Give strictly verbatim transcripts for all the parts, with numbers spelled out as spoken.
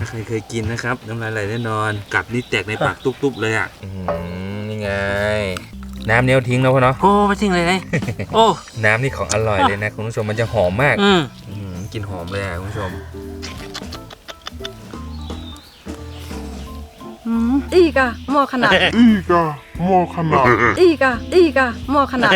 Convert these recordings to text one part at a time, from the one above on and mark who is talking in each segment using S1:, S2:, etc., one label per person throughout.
S1: ถ้าใครเคยกินนะครับน้ำลายไหลแน่นอนกัดนี่แตกในปากตุ๊บๆเลยอ่ะนี่ไงน้ำเนี้ยทิ้งแล้วพ่อเนาะ
S2: โอ้ไม่ทิ้งเลยเลยโอ้
S1: น้ำนี่ของอร่อยเลยนะคุณผู้ชมมันจะหอมมาก
S2: อืม
S1: กลิ่นหอมเลยอ่ะคุณผู้ชม
S3: อีกอะหม้อขนาด
S4: อีกอะหม้อขนาด
S3: อีกอะอีกอะหม้อขนาด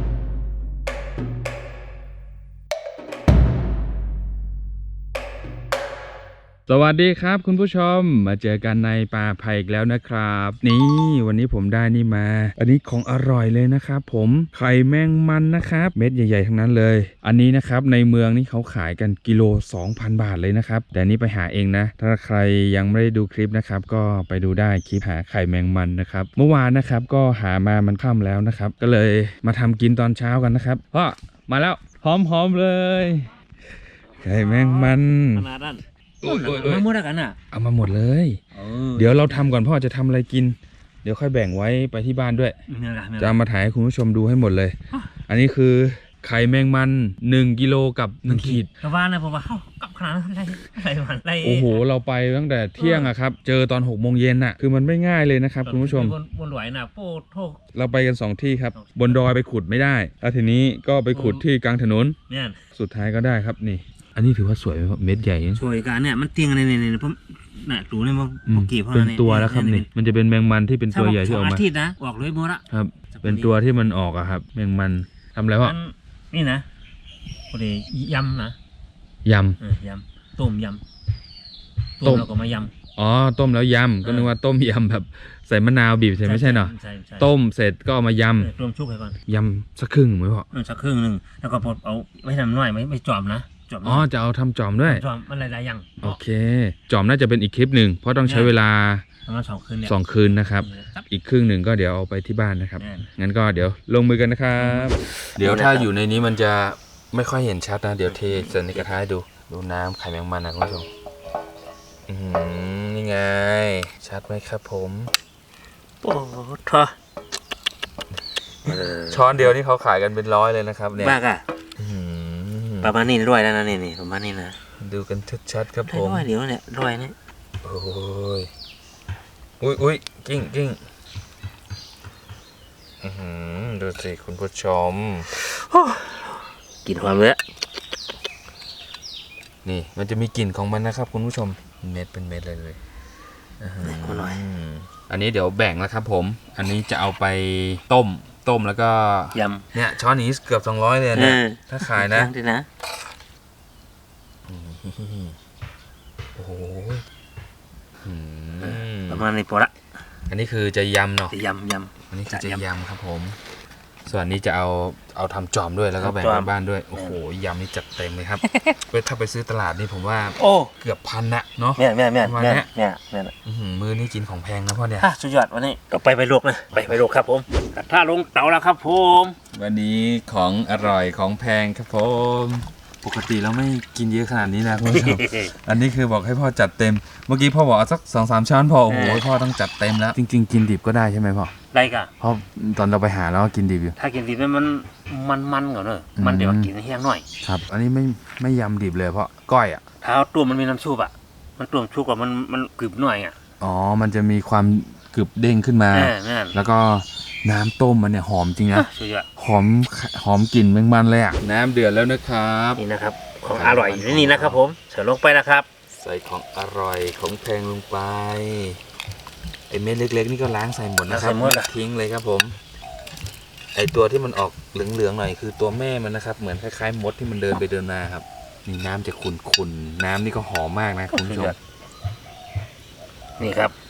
S1: สวัสดีครับคุณผู้ชมมาเจอกันในป่าไผ่อีกแล้วนะครับนี่วันนี้ผมได้นี่มาอันนี้ของอร่อยเลยนะครับผมไข่แมงมันนะครับเม็ดใหญ่ๆทั้งนั้นเลยอันนี้นะครับในเมืองนี่เขาขายกันกิโล สองพัน บาทเลยนะครับแต่นี่ไปหาเองนะถ้าใครยังไม่ได้ดูคลิปนะครับก็ไปดูได้คลิปหาไข่แมงมันนะครับเมื่อวานนะครับก็หามามันค่ำแล้วนะครับก็เลยมาทำกินตอนเช้ากันนะครับพ่อมาแล้วหอมๆเลยไข่แมงมัน
S2: ขนาดนั้นมันหมดแล้วกันอ่ะ
S1: เอามาหมดเลยเดี๋ยวเราทำก่อนพ่อจะทำอะไรกินเดี๋ยวค่อยแบ่งไว้ไปที่บ้านด้วยจะเอามาถ่ายให้คุณผู้ชมดูให้หมดเลยอันนี้คือไข่แมงมันหนึ่งกิโลกับหนึ่งขีด
S2: กระวานนะผมว่าเข้ากับขนาดนั้นอะไรอะไรมันอะไร
S1: โอ้โหเราไปตั้งแต่เที่ยงอะครับเจอตอนหกโมงเย็นอะคือมันไม่ง่ายเลยนะครับคุณผู้ชม
S2: บนหลวยนะโป้โท
S1: เราไปกันสองที่ครับบนดอยไปขุดไม่ได้แล้วทีนี้ก็ไปขุดที่กลางถนนสุดท้ายก็ได้ครับนี่อันนี้ถือว่าสวยเม็ดใหญ่
S2: สวยกันเนี่ยมันเตียงในในในผมน่ะดูเนี่ยมันเมื่อกี้เพราะ
S1: เป็นตัวแล้วครับนี่มันจะเป็นแมงมันที่เป็นตัวใหญ่ที่ออกมา
S2: อาทิตย์นะออกเลยหมดละ
S1: ครับเป็นตัวที่มันออกอะครับแมงมันทำอะไรวะ
S2: นี่นะพอดียำนะ
S1: ย
S2: ำยำต้มยำต้มแล้วก็มายำ
S1: อ๋อต้มแล้วยำก็นึกว่าต้มยำแบบใส่มะนาวบีบใส่ไม่ใช่เนาะต้มเสร็จก็เอามายำ
S2: รวมชุบไปก่อน
S1: ยำสักครึ่งไหมพ่อ
S2: สักครึ่งหนึ่งแล้วก็พอเอาไม่ทำน้อยไม่ไม่จอมนะ
S1: อ๋อจะเอาทำจอมด้วย
S2: จอมมันหลายๆอย่าง
S1: โอเคจอมน่าจะเป็นอีกคลิปหนึ่งเพราะต้องใช้เวลา
S2: ประมาณสองคืนเนี่ย
S1: สองคืนนะครับอีกครึ่งหนึ่งก็เดี๋ยวเอาไปที่บ้านนะครับงั้นก็เดี๋ยวลงมือกันนะครับเดี๋ยวถ้าอยู่ในนี้มันจะไม่ค่อยเห็นชัดนะเดี๋ยวเทใส่ในกระทะดูดูน้ำไข่แมงมันนะคุณผู้ชมอืมนี่ไงชัดไหมครับผม
S2: โอ้ท่อ
S1: ช้อนเดียวนี่เขาขายกันเป็นร้อยเลยนะครับเนี่ย
S2: บ้าก่ะประมาณนี้ด้วยแล้วนะนี่นี่ประมาณนี้นะ
S1: ดูกันชัดๆครับผม
S2: ร้อยเดียวเนี่ยร้อยเนี่ย
S1: โอ้ยอุ้ยอุ้ยกิ้งกิ้งดูสิคุณผู้ชม
S2: กลิ่นความเลย
S1: นี่มันจะมีกลิ่นของมันนะครับคุณผู้ชมเม็ดเป็นเม็ดเลยเลย
S2: คนหน่อย
S1: อันนี้เดี๋ยวแบ่งแล้วครับผมอันนี้จะเอาไปต้มต้มแล้วก็
S2: ยำ
S1: เนี่ยช้อนนี้เกือบสองร้อยเลยนะถ้าขายนะ
S2: นะ
S1: โอ้โห
S2: ประมาณนี้พอละ
S1: อันนี้คือจะยำเนาะ
S2: จะยำย
S1: ำอันนี้จะยำครับผมส่วนนี้จะเอาเอาทำจอมด้วยแล้วก็แบ่งไปบ้านด้วยโอ้โหยำนี่จัดเต็มเลยครับถ้าไปซื้อตลาดนี่ผมว่าโอ้เกือบพันนะเนาะ
S2: แม่แม่แม่แม่แม่แม่
S1: มือนี่กินของแพงนะพ่อเนี่ย
S2: สุดยอดวันนี้ก็ไปไปลวกนะไปไปลวกครับผมถ้าลงเตาแล้วครับผม
S1: วันนี้ของอร่อยของแพงครับผมปกติเราไม่กินเยอะขนาดนี้นะคุณผู้ชมอันนี้คือบอกให้พ่อจัดเต็มเมื่อกี้พ่อบอกเอาสักสองสามช้อนพอโอ้โหพ่อต้องจัดเต็มแล้วจริงๆกินดิบก็ได้ใช่ไหมพ่อ
S2: ได้ค่ะ
S1: เพราะตอนเราไปหาแล้วก็กินดิบอยู่
S2: ถ้ากินดิบมันมันมันก่อนเนอะมันเดี๋ยวกินแห้งหน่อย
S1: ครับอันนี้ไม่ไม่ยำดิบเลยเพราะก้อยอ่ะ
S2: ถ้าตัวมันมีน้ำชุบอ่ะมันตัวชุบกับมันมันกรึบหน่อยอ่ะ
S1: อ๋อมันจะมีความกรึบเด้งขึ้นมาแล้วก็น้ำต้มมันเนี่ยหอมจริงนะหอมหอมกลิ่นแมงมันเลยอ่ะน้ำเดือดแล้วนะครับ
S2: นี่นะครับของอร่อยอยู่ในนี้นะครับผมเสิร์ฟลงไปนะครับ
S1: ใส่ของอร่อยของแพงลงไปไอเม็ดเล็กๆนี่ก็ล้างใส่หมดนะครับทิ้งเลยครับผมไอตัวที่มันออกเหลืองๆหน่อยคือตัวแม่มันนะครับเหมือนคล้ายๆมดที่มันเดินไปเดินมาครับนี่น้ำจะขุ่นๆน้ำนี่ก็หอมมากนะคุณผู้ชม
S2: นี่ครับ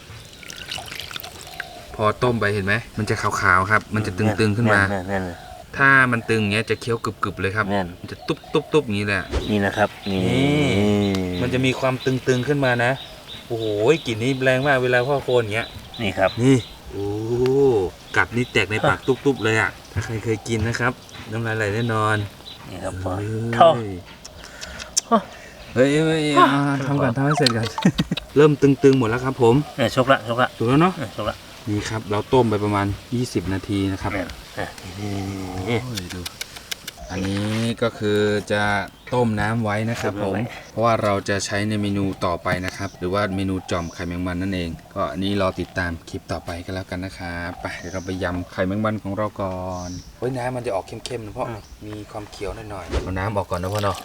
S1: พอต้มไปเห็นไหมมันจะขาวๆครับมันจะตึงๆขึ้นมาถ้ามันตึงเงี้ยจะเคี้ยวกรึบๆเลยครับมันจะตุ๊บๆๆอย่างนี้แหละ
S2: นี่นะครับนี่
S1: มันจะมีความตึงๆขึ้นมานะโอ้โหกลิ่นนี้แรงมากเวลาพ่อโคนอย่างเงี้ย
S2: นี่ครับ
S1: นี่โอ้กัดนี่แตกในปากตุ๊บๆเลยอ่ะถ้าใครเคยกินนะครับน้ำลายไหลแน่นอน
S2: นี่ครับพ่อท่อ
S1: เฮ้ยทำกันทำให้เสร็จกันเริ่มตึงๆหมดแล้วครับผม
S2: ชกละชกละ
S1: ถูกแล้วเนาะ
S2: ชกละ
S1: นี่ครับเราต้มไปประมาณยี่สิบนาทีนะครับดูอันนี้ก็คือจะต้มน้ำไว้นะครับผมเพราะว่าเราจะใช้ในเมนูต่อไปนะครับหรือว่าเมนูจ่อมไข่แมงมันนั่นเองก็อันนี้รอติดตามคลิปต่อไปกันแล้วกันนะครับไปเดี๋ยวเราไปยำไข่แมงมันของเราก่อนเฮ้ยน้ำมันจะออกเข้มๆนะเพราะมีความเขียวหน่อยๆเอาน้ำออกก่อนนะพ่อเนาะ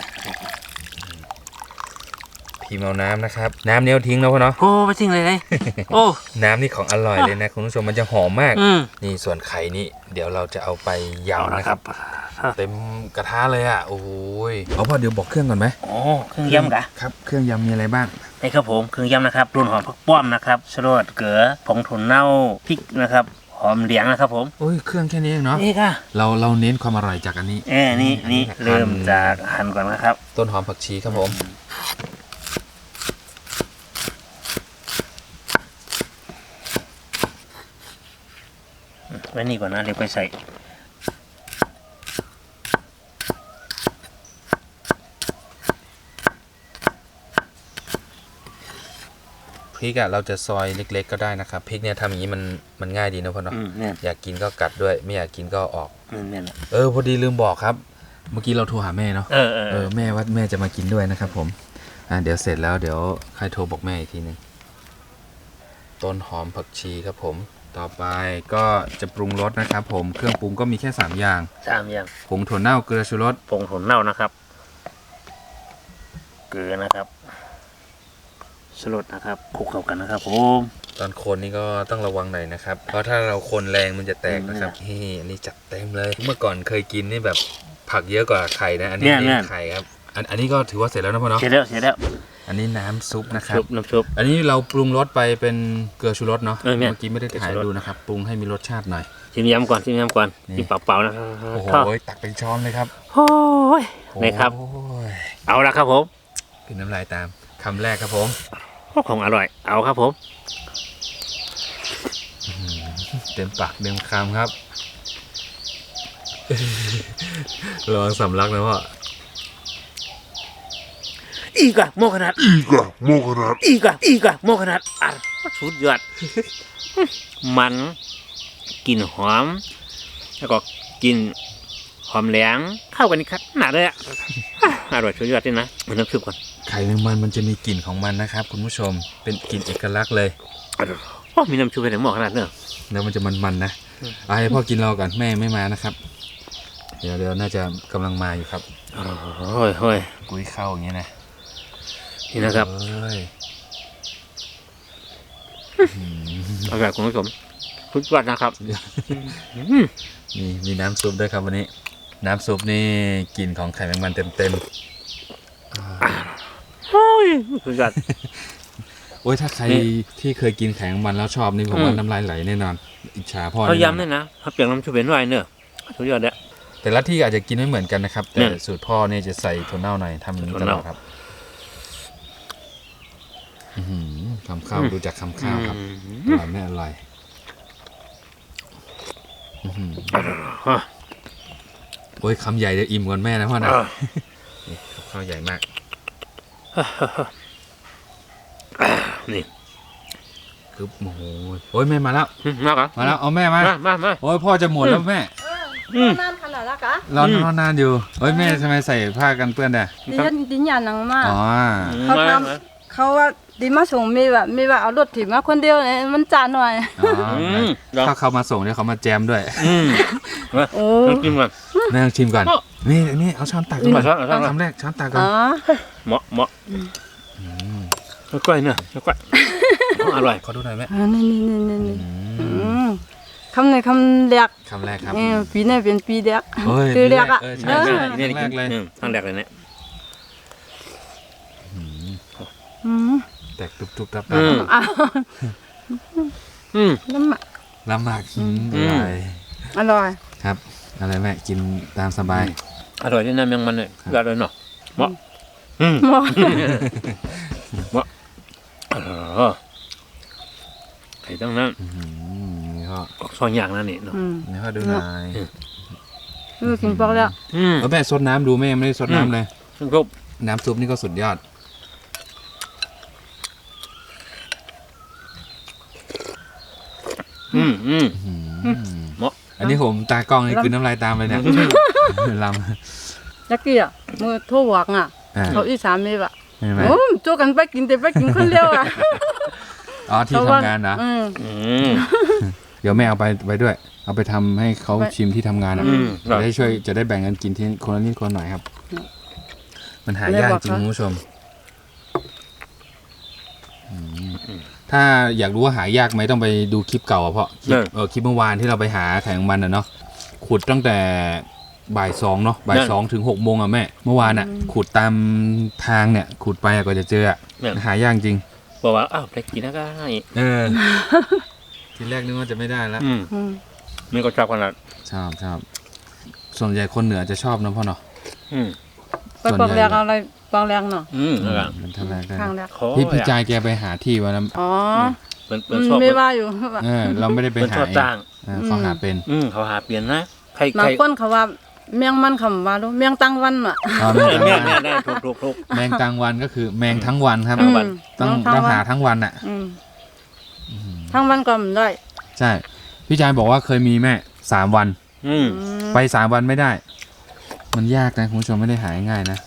S1: พิมพ์เอาน้ำนะครับน้ำเนี้ยทิ้งแล้วพ่อเนาะ
S2: โอ้ไปทิ้งเลยเลยโอ้
S1: น้ำนี่ของอร่อยเลยนะคุณผู้ชมมันจะหอมมาก
S2: อืม
S1: นี่ส่วนไข่นี่เดี๋ยวเราจะเอาไป
S2: เอา
S1: ยำ
S2: ละ
S1: นะ
S2: ค
S1: ค
S2: รั
S1: รับ บเต็มกระทะเลยอ่ะโอ้ยเอาพ่อเดี๋ยวบอกเครื่องก่อนไหม
S2: โอ้เครื่องยำกะ
S1: ครับเครื่องยำมีอะไรบ้าง
S2: นี่ครับผมเครื่องยำนะครับรุ่นหอมผักป้อมนะครับชะโรดเกลือผงถั่วเน่าพริกนะครับหอมเหลียงนะครับผม
S1: โอ้ยเครื่องแค่นี้เองเนาะ
S2: นี่ค่ะ
S1: เราเราเน้นความอร่อยจากอันนี้
S2: เอ้นี่นี่
S1: อั
S2: เริ่มจากหั่นก่อนนะครับ
S1: ต้นหอมผักชีครับผม
S2: ไว้นี่ก่อนนะเดี๋ยวไปใส่
S1: พริกอะเราจะซอยเล็กๆก็ได้นะครับพริกเนี่ยทำอย่างนี้มันมันง่ายดีนะพ่อเนาะ
S2: อืมเนี่ย
S1: อยากกินก็กัดด้วย ไม่อยากกินก็ออก
S2: อืมเนี่ยนะ
S1: เออพอดีลืมบอกครับ เมื่อกี้เราโทรหาแม่เนาะ
S2: เออเออ
S1: เออแม่ว่าแม่จะมากินด้วยนะครับผมอ่าเดี๋ยวเสร็จแล้วเดี๋ยวใครโทรบอกแม่อีกทีนึงต้นหอมผักชีครับผมต่อไปก็จะปรุงรสนะครับผมเครื่องปรุงก็มีแค่สามอย่าง
S2: สามอย่าง
S1: ผงถั่วเน่าเกลือชูรส
S2: ผงถั่วเน่านะครับเกลือนะครับชะโรดนะครับคลุกเข้ากันนะครับผม
S1: ตอนคนนี่ก็ต้องระวังหน่อยนะครับเพราะถ้าเราคนแรงมันจะแตกนะครับนี่อันนี้จัดเต็มเลย เมื่อก่อนเคยกินนี่แบบผักเยอะกว่าไข่นะอันนี้นี่ไข่ครับอันอันนี้ก็ถือว่าเสร็จแล้วนะพ่อเนาะ
S2: เสร็จแล้วเสร็จแล้ว
S1: อันนี้น้ำซุปนะครับ
S2: ชุบน้ำชุบ
S1: อันนี้เราปรุงรสไปเป็นเกลือชูรสเนาะ
S2: เออเนี่ย
S1: เมื่อกี้ไม่ได้ถ่าย
S2: เกลือชูรส
S1: ดูนะครับปรุงให้มีรสชาติหน่อย
S2: ชิมยำก่อนชิมยำก่อน
S1: นี่
S2: ชิมเปล่าๆนะครับ
S1: โอ้โหตักเป็นช้อนเลยครับ
S2: โอ้ยนี่ครับ
S1: โอ้ย
S2: เอาละครับผม
S1: กินน้ำลายตามคำแรกครับผม
S2: ของอร่อยเอาครับผม
S1: เต็มปากเต็มคำครับ ลองสำลักนะพ่อ
S2: อีกอะโมขนาด
S4: Iga Mokanat
S2: อีกอะอีกอะโมขนาดอ่ะสุดยอด มันกลิ่นหอม แล้วก็กลิ่นหอมแหลงเข้ากันนี่ครับหนาเลยอะอร่อยสุดยอดเลยนะมันน้ำซุปก่อน
S1: ไข่แมงมันมันจะมีกลิ่นของมันนะครับคุณผู้ชมเป็นกลิ่นเอกลักษณ์เลย
S2: โอ้มีน้ำซุปเป็นหม้อขนาดเนอะ
S1: แล้วมันจะมันๆนะเอาให้พ่อกินรอก่อนแม่ไม่มานะครับ เดี๋ยวเดี๋ยวน่าจะกำลังมาอยู่ครับ
S2: โอ้ยโอ้ย
S1: กุ้ยเข้าอย่างเงี้ยนะ
S2: นี่นะครับ
S1: เอ้ย
S2: อร่อยคุณผู้ชมสุดยอดนะครับอืม
S1: นี่มีน้ำซุปด้วยครับวันนี้ น้ำซุปนี่กลิ่นของไข่แมงมันเต็ม
S2: โอ้ยสุดยอด
S1: ๆโอ้ยถ้าใคร
S2: นี่
S1: ที่เคยกินไข่แมงมันแล้วชอบนี่ผม
S2: อืม
S1: ว่าน้ำลายไหลแน่นอนอิจฉาพ่อ
S2: เขา
S1: แน่นอน
S2: ย้ำด้วยนะเขาเปลี่ยนน้ำซุปเป็นไวเนอะสุดยอดเลย
S1: แต่ละที่อาจจะกินไม่เหมือนกันนะครับ แต่
S2: เนี่ย
S1: สูตรพ่อเนี่ยจะใส่ถั่วเน่าหน่อยทำอย่างนี้
S2: ถั่
S1: ต
S2: ว
S1: ล
S2: เน่า
S1: อดครับอื้อหือคำข้าวดูจากคำข้าวครับอร่อยไม่อร่อยอื้อหือ
S2: อ่ะ
S1: โอ้ยคำใหญ่จะอิ่มก่อนแม่นะพ่อนะ
S2: อ่ะ
S1: นี่กับข้าวใหญ่มาก
S2: นี่
S1: คือโอ้โหโอ้ยแม่มาแล้ว
S2: อืมมาครับ
S1: มาแล้วเอาแม่มา
S2: มามามา
S1: โอ้ยพ่อจะหมดแล้วแม่
S3: เออนั่นขนาดละกะ
S1: รอนรอนานอยู่โอ้ยแม่ทำไมใส่ผ้ากันเปื้อนอ่ะ
S3: ดิฉันดิฉันนังมาก
S1: อ๋อ
S3: เขา
S2: มา
S3: ท
S2: มา
S3: ำเขาว่าดิมาส่งมีแบบมีว่าเอารถถีบมาคนเดียวเนี่ยมันจานหน่อย
S1: อ๋อ
S2: อืมเดี๋ยว
S1: ถ้าเขามาส่งเนี่ยเขามาแจมด้วย
S2: อืมมา
S3: โอ้
S2: ต้องกินก่อน
S1: แม่ลองชิมก่อน
S2: โอ้
S1: นี่นี่เอาช้อนตัก
S2: อื
S1: ก่
S2: ม
S1: อน
S2: เอาช้อนเอาช้อน
S1: คำแรกช้อนตักก่อน
S3: อ๋อ
S2: เหมาะเหมาะ
S1: ม
S2: กล้วยเนอะกล้วยอร่อย
S1: ขอดูหน่อยแม่
S3: อ่านี่นี่นี่นี่
S1: อื
S3: อื
S1: ม
S3: มคำในคำแรก
S1: คำแรกครับ
S3: เออปีนี้เป็นปีแรก
S1: เอ้ย
S3: ปีแรกอ่ะ
S1: เออ
S3: เอ
S1: ใช่
S3: อ
S1: ใช่
S2: นี่นี่
S1: ครั้งแรกเลย
S2: อืมครั้งแรกเลยเนี่ย
S3: อืม
S1: แตกตุบตุบตับ
S2: อืม
S3: อ้าว
S2: อืม
S3: น้ำมัน
S1: ลำบากอืม
S2: อื
S1: อ
S2: ม
S1: ร่อย
S3: อร่อย
S1: ครับ อะไรแม่กินตามสบาย
S2: อร่อยที่น้ำยังมันเนี่ยยอดเลยเนาะเหมาะอืม
S3: หมอ
S2: เหมาะเออไข่ต้องนั้น
S1: อื้อหือนี่พ่อ
S2: ออกซอยอย่างนั่นนี่เนาะ
S3: อืม
S1: นี่พ่อดูหน่อย
S3: เออกินปอกแล้ว
S2: อืม
S1: เออแม่ซดน้ำดูแม่ไม่ได้ซดน้ำเลย
S2: ซึ่งครบ
S1: น้ำซุปนี่ก็สุดยอด
S2: อืมอืม
S1: อื้อหือ
S2: เหมาะ
S1: อันนี้ผมตากล้องนี่คือน้ำลายตามเลยเนี่ยล
S3: ยักกี้อ่ะมือโทรหวักอ่ะ
S1: ำอ่า
S3: เขาอีสานมีแบบ
S1: เห็นไหม
S3: โอ้โจกันไปกินแต่ไปกินคนเดียวอ่ะ
S1: อ๋อที่ทำงานนะ
S3: อืม
S2: อืม
S1: เดี๋ยวแม่เอาไปไปด้วย เอาไปทำให้เขา
S3: ไป
S1: ชิมที่ทำงานอ่ะ
S2: อืม
S1: จะได้ช่วยจะได้แบ่งกันกินที่คนละนิดคนละหน่อยครับ มันหายากจริงคุณผู้ชมอืมถ้าอยากรู้ว่าหายากไหมต้องไปดูคลิปเก่าอะเพราะคลิปเออคลิปเมื่อวานที่เราไปหาไข่แมงมันอ่ะเนาะขุดตั้งแต่บ่ายสองเนาะบ่ายสองถึงหกโมงอ่ะแม่เมื่อวานอ่ะขุดตามทางเนี่ยขุดไปอะก็จะเจออะหายากจริง
S2: บอกว่าอ้าวไปกินนะก็ให้
S1: เออ ทีแรกนึกว่าจะไม่ได้แล้ว
S2: อืม
S3: อืม
S2: มันก็ชอบขนาด
S1: ชอบชอบส่วนใหญ่คนเหนือจะชอบนะพ่อเนาะ
S2: อืม
S3: ไปปองแรงเอาอะไรปองแรงเนาะ
S2: อืมแล้วก็
S1: มันทำอะไรได้
S3: ข้างแรก
S2: ขอ
S1: พี่พี่จายแกไปหาที่วันนั้น
S3: อ๋อ
S2: เปิ้น
S3: อื
S2: เปิ้น
S3: ม
S2: ชอบ
S3: ไม่ว่าอยู่ว่า
S1: เออ เราไม่ได้ไป
S2: เปิ้น
S1: หา
S2: ชอบ
S1: เอง
S2: จ้าง
S1: เออเขาหาเป็น
S2: อืมเขาหาเปลี่ยนนะใคร
S3: บา
S2: ใค
S3: ง
S2: ร
S3: คนเขาว่าเมียงมันคำว่ารู้เมียงตั้งวันอ่ะ
S1: อ๋อ
S2: เอ
S1: แม
S2: อง แม่
S1: กลาง
S2: แม่
S1: วัน
S2: ได้ถูกถูกถูก
S1: แมงกลางวันก็คือแมงทั้งวันครับ
S3: อืม
S1: ต้อง
S3: ทั้
S1: ต้อง
S3: วัน
S1: หาทั้งวันอ่ะ
S3: อืมทั้งวันก็ไม่ได้
S1: ใช่ พี่จายบอกว่าเคยมีแม่สามวัน
S2: อืม
S3: อืม
S1: ไปสามวันไม่ได้ มันยากนะคุณผู้ชมไม่ได้หาง่ายๆนะ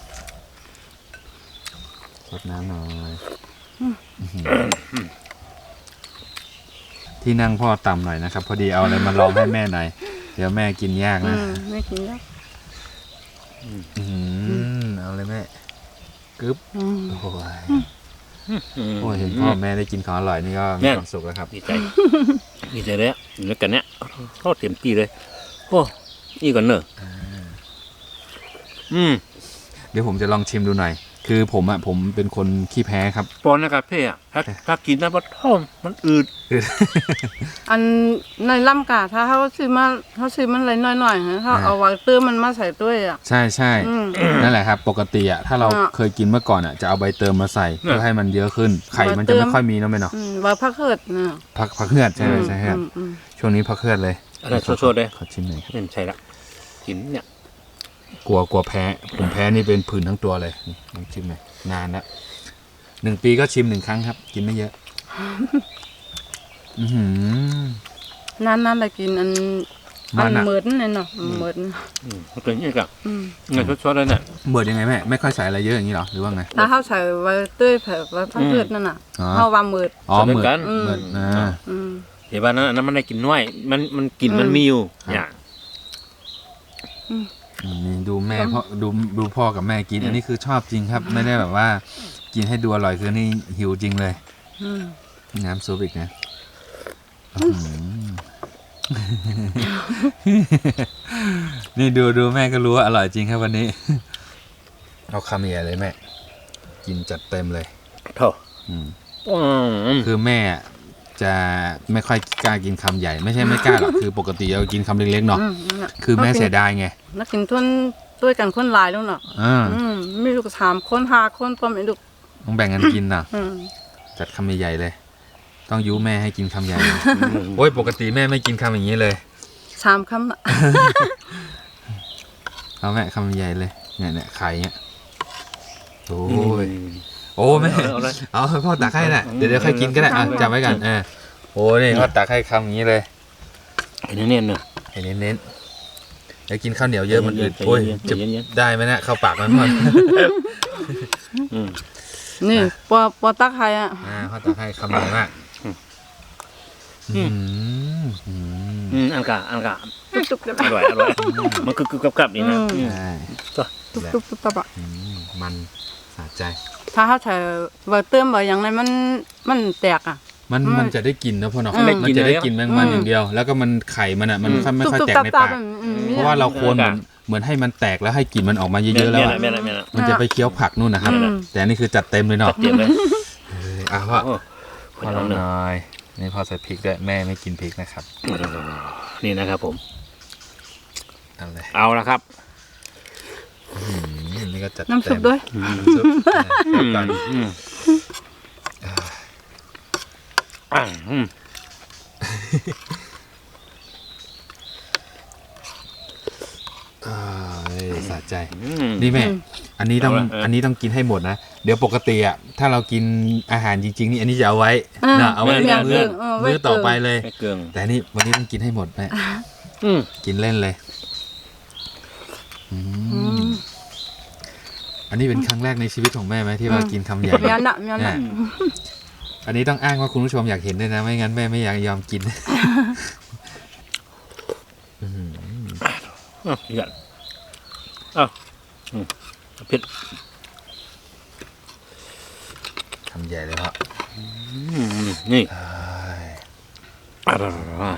S1: รดน้ำหน่อยอื้อหือที่นั่งพ่อต่ำหน่อยนะครับ พอดีเอาอะไรมาลองให้แม่หน่อย เดี๋ยวแม่กินยาก
S3: อื
S1: นะ
S3: มไม่กินแล้ว
S1: อื้อหือเอาเลยแม่กึ๊บ
S3: อืม
S1: โอ้ย
S2: อืม
S1: โอ้ยเห็นพ่อแม่ได้กินของอร่อยนี่ก็มี
S2: แม่
S1: ความสุขแล้วครับ
S2: ดีใจดีใจเลยอ่ะอยู่ด้วยกันเนี้ยโคตรเต็มที่เลยโอ้อีกก่อนเนอะอืม
S1: เดี๋ยวผมจะลองชิมดูหน่อย คือผมอ่ะผมเป็นคนขี้แพ้ครับ
S2: ปอนนะครับเพ่อะถ้าถ้ากินนะมันท้องมันอืด
S3: อันในลำกาถ้าเขาซื้อมาเขาซื้อมันอะไรน้อยๆฮะเขา
S1: อ่า
S3: เอาวางตื้อมันมาใส่ด้วยอ่ะ
S1: ใช่ใช่
S3: อืม
S1: นั่นแหละครับ ปกติอ่ะถ้าเรา
S3: อ่ะ
S1: เคยกินเมื่อก่อนอ่ะจะเอาใบเติมมาใส่เพื่อให้มันเยอะขึ้น ไข่มัน
S3: ใบเติ
S1: จะ
S3: ม
S1: ไม่ค่อยมีเนาะแม่เนาะ
S3: อืมว่าพักเกิดนะ
S1: พักพักเฮือดใช่ไหมใช่ครับ
S3: อืมอืม
S1: ช่วงนี้พักเฮือดเลย
S2: อะไรโชดๆเลย
S1: ขอชิมหน่อยครับ
S2: ไม่ใช่ละกินเนี่ย
S1: กลัวกลัวแพ้ผมแพ้นี่เป็นผื่นทั้งตัวเลยนี่ลองชิมหน่อยนานแล้วหนึ่งปีก็ชิมหนึ่งครั้งครับ กินไม่เยอะ อือหือ
S3: นั่นๆไปกินอัน
S1: มั
S3: อั
S1: น
S3: น
S1: อะ
S3: เหมือนเนี่ยเนาะเหมือน
S2: อืมมันเป็นอย่างนี้กับ
S3: อืม
S2: เงินชดๆเลยเนี่ย
S1: เบิดยังไงแม่ไม่ค่อยใส่อะไรเยอะอย่างนี้หรอหรือว่าไง
S3: ถ้าเขาใส่ไว้ตื้อแผ่ไว้พักเกิดนั่นน่ะ
S1: อ๋อ
S3: เขาว่าเหมือน
S1: อ๋อ
S2: ใส่
S1: เหมือน
S2: กัน
S3: อืม
S1: เหมือนอ่า
S3: อืม
S2: เดี๋ยวบ้านนั้นอันนั้นมันได้กินน้อยมันมันกลิ่น
S3: อืม
S2: มันมีอยู่
S1: ครับ
S2: เนี่ย
S1: อืมนี่ดูแม่พ่อดูดูพ่อกับแม่กิน อันนี้คือชอบจริงครับ ไม่ได้แบบว่า กินให้ดูอร่อยคือนี่หิวจริงเลย
S3: อืม
S1: น้ำซุปอีกนะอื้อหือ นี่ดูดูแม่ก็รู้ว่าอร่อยจริงครับวันนี้ เอาคำใหญ่เลยแม่ กินจัดเต็มเลย
S2: โถ่
S1: อืม
S2: อืม
S1: คือแม่จะไม่ค่อยกล้ากินคำใหญ่ ไม่ใช่ไม่กล้าหรอกคือปกติเรากินคำเล็กๆเนาะ
S3: อืมนั่นน่ะ
S1: คือแม่เสียดายไง
S3: นักกินทุนด้วยกันคนหลายแล้วเนาะ
S1: อ่า
S3: อืมมีลูกสามคนห้าคนพร้อมไอ้ลูก
S1: ต้องแบ่งกันกินนะ
S3: อืม
S1: จัดคำใหญ่ๆเลย ต้องยุแม่ให้กินคำใหญ่ โอ้ยปกติแม่ไม่กินคำอย่างนี้เลย
S3: สามคำน่ะ
S1: เอาแม่คำใหญ่เลยเนี่ยเนี่ยไข่เนี่ยโอ้
S2: โอ้
S1: ย
S2: ย
S1: โอ้แม่
S2: เอาเลย
S1: เอาให้พ่อตักให้น่ะเดี๋ยวเดี๋ยวค่อยกินก็ได้อ่ะจำไว้กันเออโอ้นี่พ่อตักให้คำอย่างนี้เลย
S2: ไอ้เนี่ยเนอะ
S1: ให้เน้นๆเดี๋ยวกินข้าวเหนียวเยอะมันอืด
S2: ใจ
S1: โอ้ย
S2: เย็นๆ
S1: จะ
S2: ใจเย็น
S1: ได้ไหมเนี่ยเข้าปากมันพ่อ
S2: อืม
S3: นี่ปอปอตักไข่อ่ะ
S1: อ่าพ่อตักให้คำใหญ่มาก
S2: อืม
S1: อืม
S2: อืมอันกะอันกะ
S3: ตุ๊บๆเลย
S2: อร่อยอร่อยมันคือกึบกับๆนี่นะ
S3: อืม
S2: อืม
S1: ใช่
S3: ตุ๊บตุ๊บตุ๊บตับอ่ะ
S1: อืมมันสะใจ
S3: ถ้าเขาใส่ใบเติมใบอย่างไรมันมันแตกอ่ะ
S1: มัน
S3: อืม
S1: มันจะได้กินนะพ่อเนาะ
S3: อืม
S1: มันจะได้กินแมงมัน
S3: อืม
S1: อย่างเดียว แล้วก็มันไข่มันอ่ะมันค่อยไม่ค่อยแตกในปาก
S3: อืม
S1: เพราะว่าเราควรเหมือนเหมือนให้มันแตกแล้วให้กลิ่นมันออกมาเยอะๆแล้ว
S2: แม่
S1: อะ
S2: ละแม่ละแม่ละ
S1: มันจะไปเคี้ยวผักนู่นนะครับ
S3: อืม
S1: แต่อันนี่คือจัดเต็มเลยเนาะ
S2: จัดเต็มเลย
S1: เอออ่ะพ่อ
S2: โอ้
S1: พ่อลองหน่อยนี่พ่อใส่พริกด้วยแม่ไม่กินพริกนะครับ
S2: นี่นะครับผม
S1: เอาเลย
S2: เอาละครับ
S1: อืมนี่ก็จัด
S3: น้ำซุป
S1: เต็ม
S3: ด้วย
S1: น้ำซุปอ่ะเดี๋ยวก่อน
S2: อืมอ่าอืม
S1: อ่าเอ้ยสะใจ
S2: อืม
S1: นี่แม่
S3: อืม
S1: อันนี้ต้อง
S2: เอาละเอออั
S1: อันนี้ต้องกินให้หมดนะ เดี๋ยวปกติอ่ะ ถ้าเรากินอาหารจริงๆ นี่อันนี้จะเอาไว้
S3: อ่า
S1: นะเอาไว้
S3: ไม่
S1: มื้อ
S3: เอาเออไว้
S1: มื้อต่อไปเลย
S2: ไม่เกลือง
S1: แต่นี่วันนี้ต้องกินให้หมดแม่
S2: อืม
S1: กินเล่นเลย
S5: อื
S3: อื
S5: ม
S3: ม
S5: อันนี้เป็นครั้งแรกในชีวิตของแม่ไหมที่ว่ากินคำใหญ่
S3: เมียนอะเมียน
S5: เนี่
S3: อะ
S5: ยอันนี้ต้องอ้างว่าคุณผู้ชมอยากเห็นด้วยนะไม่งั้นแม่ไม่อยากยอมกิน อื้อหือ
S2: อ้าวหยอดอ้าวอืมเผ็ด
S5: คำใหญ่เลยพ่อ
S2: อืมนี่
S5: เอ้ย
S2: อร่อย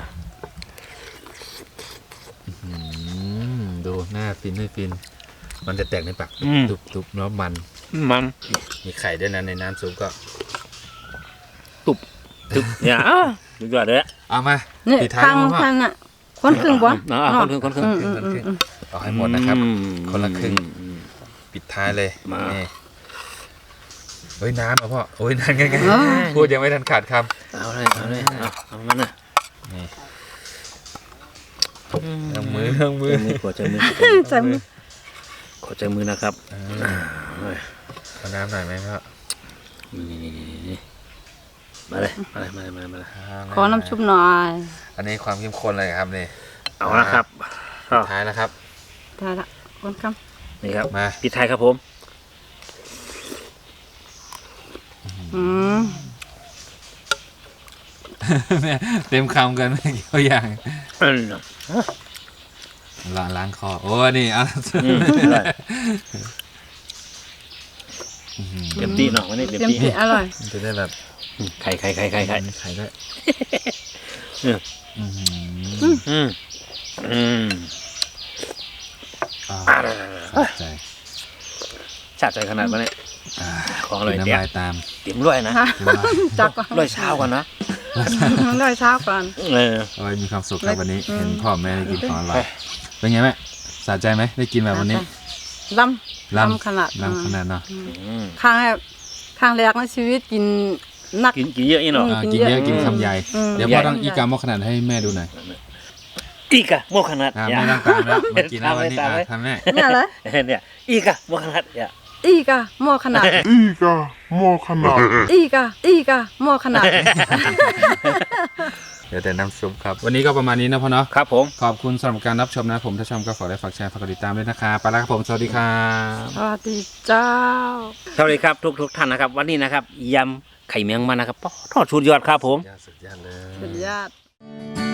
S5: อืมดูหน้าฟินไม่ฟิน มันจะแตกในปาก
S2: อืม
S5: ตุบๆแล้วมัน
S2: มัน
S5: มีไข่ด้วยนะในน้ำซุปก็
S2: ตึบเนี่ยอ้าวสุดยอดเลยอะ
S5: เอามา
S3: นี่
S5: ปิดท้าย
S3: ข้าง
S5: แล้วพ่อ
S3: ข้างน่ะคนครึ่งบ่
S2: อ่าคนครึ่งคนครึ่ง
S3: อืมอืมอืมอืม
S5: เอาให้หมดนะครับ
S2: อืม
S5: คนละครึ่ง
S2: อืม
S5: ปิดท้ายเลย
S2: มา
S5: นี่เฮ้ยน้ำเหรอพ่อโอ้ยนานไงไง
S3: เอ้ย
S5: พูดยังไม่ทันขาดค
S2: เอาเลยเอาเลยเอาเอามันนะ
S5: ำนี่เอามือเอามือ
S2: ใจมือขอใจมือ
S3: ใส่มือ
S2: ขอใจมือนะครับ
S5: เออเอาน้ำหน่อยไหมพ่อ
S2: นี่นี่นี่นี่มาเลยมาเลยมาเลยมาเลยมาเลย
S3: ขอน้ำชุบหน่อย
S5: อันนี้ความเข้มข้นเลยครับนี่
S2: เอาละครับ
S5: ปิดท้ายแล้วครับ
S3: ได้ละคนค
S2: นี่ครับ
S5: มา
S2: ปิดท้ายครับผม
S3: ำอืม
S5: แม่เต็มคำกันไม่กี่ตัวอย่าง
S2: อืม
S5: ล้างล้างคอโอ้นี่เอา
S2: อืมอร่อยเต็มที่เนาะวันนี้เต็ม
S3: เต็ม
S2: ที่
S3: ที่อร่อย
S5: จะได้แบบ
S2: อืมไข่ไข่ไข่ไข่ไข่
S5: มีไข่ด้วย
S2: เออ
S5: อื้อหือ
S2: อืมอืม
S5: อ่า
S2: อ่า
S5: สะใจ
S2: ชาติใจขนาดนั้นเนี่ย
S5: อ่า
S2: ของอร่อย
S5: กิน
S2: เตี้ย
S5: น้ำลายตาม
S2: เต็มร้อยนะ
S3: ฮะ
S5: กินน้ำลาย
S3: จักก่อน
S2: ร้อยเช้าก่อนนะ
S3: ร้อยเช้าก่อน
S2: เออ
S5: โอ้ยมีความสุขครับวันนี้
S3: อืม
S5: เห็นพ่อแม่ได้กินของอร่อยเป็นไงแม่สะใจไหมได้กินแบบวันนี้
S3: ลำ
S5: ล้
S3: ลำขนาด
S5: ล้ำขนาดเนาะ
S2: อืม
S3: ครั้งแรกครั้งแรกในชีวิตกินนัก
S2: กินกินเยอะอีเนาะ
S3: อืม
S5: อ่ากินเยอะกินคำใหญ่
S3: อืม
S5: เดี๋ยวพ่อต้องอีกามอขนาดให้แม่ดูหน่อย
S2: อีกอะโมขนาด
S5: อ่า
S2: อย่า
S5: ไม่ต้องตามแล้วมากินแล้ววันนี้
S2: ตาม
S5: อ่ะ
S2: ไว้
S5: ทำแม่
S3: เนี่ยเหรอ
S2: เนี่ยอีกอะโมขนาดอย่า
S3: อีกอะหม้อขนาด
S4: อีกาหม้อขนาด
S3: อีกอะอีกอะหม้อขนาด
S5: เดี๋ยวแต่น้ำซุปครับ วันนี้ก็ประมาณนี้นะพ่อเนาะ
S2: ครับผม
S5: ขอบคุณสำหรับการรับชมนะผมถ้าชอบก็ฝากได้ฝากแชร์ฝากกดติดตามด้วยนะครับไปแล้วครับผมสวัสดีครับ
S3: สวัสดีเจ้า
S2: สวัสดีครับทุกทุกท่านนะครับ วันนี้นะครับยำไข่เมียงมันนะครับทอดชุดยอดครับผม
S5: สุดยอดเลย
S3: สุดยอด